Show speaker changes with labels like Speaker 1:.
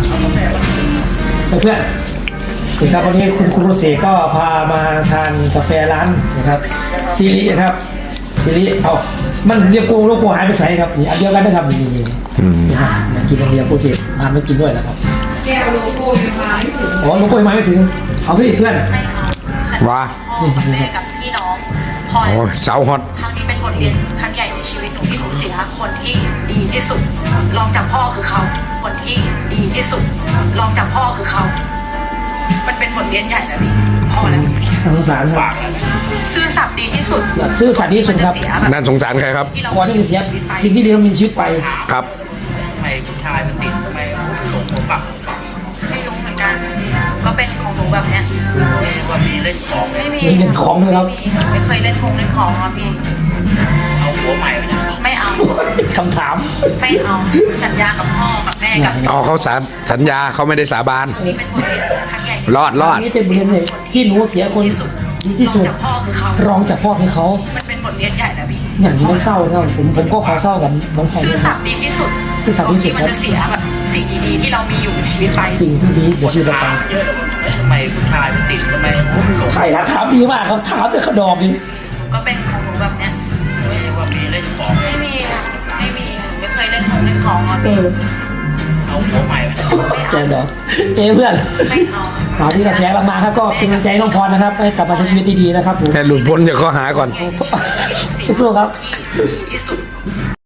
Speaker 1: เพื่อนคือครับวันนี้คุณโรเซ่ก็พามาทานกาแฟร้านนะครับซีรีครับซีรีเอามันเรียกโลโก้หายไปใส่ครับนี่อันเดียวกันนะครับนี่นะครับกินอันเดียวโปรเจกต์ทานไม่กินด้วยนะครับแก้วโลโก้ยังมาไม่ถึงอ๋อโลโก้ยังมาไม่ถึงเอาพี่เพื่อน
Speaker 2: ว่า
Speaker 3: แม่กับพี่น้องพอ
Speaker 2: โอ้ยสาวฮอต
Speaker 3: ครั้งนี้เป็นบทเรียนครั้งใหญ่ในชีวิตหนูที่หนูเสียคนที่ดีที่สุดรองจากพ่อคือเขาคนที่ดีที่สุดรองจากพ่อคือเขามันเป็นบทเรียนใหญ่นะพี่พ่อแล้ว
Speaker 1: สงสารครับ
Speaker 3: ซื่อสัตย์ดีที่สุด
Speaker 1: ซื่อสัตย์ที่สุดครับ
Speaker 2: น่าสงสารใครครับ
Speaker 1: ก่อนที่จะเสียสิ่งที่ดีต้องมีชีวิตไป
Speaker 2: ครับ
Speaker 4: ทำไมผู้ชายมันติดทำไมหลงผมแบบ
Speaker 3: ไม่รู้เหมือนกันก็เป็นของหนูแบบเนี้ย
Speaker 4: ว่ามีเล่นของ
Speaker 3: ไม่มี
Speaker 1: เล่นของด้วยครับ
Speaker 3: ไม่เคยเล่นของอ่ะพี่
Speaker 4: เอาหัวใหม่ไปนะ
Speaker 3: ไม่เอา
Speaker 1: คำถาม
Speaker 3: ไม่เอาสัญญากับพ่อกับแม่กับ
Speaker 2: เอาเขาสัญญาเขาไม่ได้สาบาน
Speaker 3: นี่เป็นบทเรียนครั้งใหญ่
Speaker 2: รอด
Speaker 1: นี่เป็นบทเรียนเลยที่หนูเสียคนดีที่สุดรองจากพ่อให้เขา
Speaker 3: มันเป็นบทเรียนใหญ่นะพี่
Speaker 1: อย่างนี้ไม่เศร้าครับผมก็ขอเศร้ากับน้องชาย
Speaker 3: ซื่อสัตย์ดีที่สุด
Speaker 1: ซื่อสัตย์ที่สุด
Speaker 3: มันจะเสียแบบสิ่งดีๆที่เรามีอยู่ในชีวิตไป
Speaker 1: สิ่งที่ดีเดี๋ยวชีวิตเราไป
Speaker 4: เยอะทำไมผู้ชายมันติดทำไมหลง
Speaker 1: ใครนะถามดีมากครับถามแต่ขนมนี่
Speaker 3: ก็เป็นของหนูแบบเนี้ย
Speaker 4: ว่ามีเล่นของ
Speaker 3: ไม่มีไม่เคยเล่นของอ่ะพี่
Speaker 4: เอาหัวใหม่ไป
Speaker 1: แกเนาะเพื่อน
Speaker 3: ไม่เอา
Speaker 1: ข่าวที่กระแสมาครับก็เป็นกำลังใจน้องพรนะครับให้กลับมาใช้ชีวิตดีๆนะครับผม
Speaker 2: แต่หลุดพ้นจากข้อหาก่อน
Speaker 1: สู้ครับ
Speaker 3: ที่สุด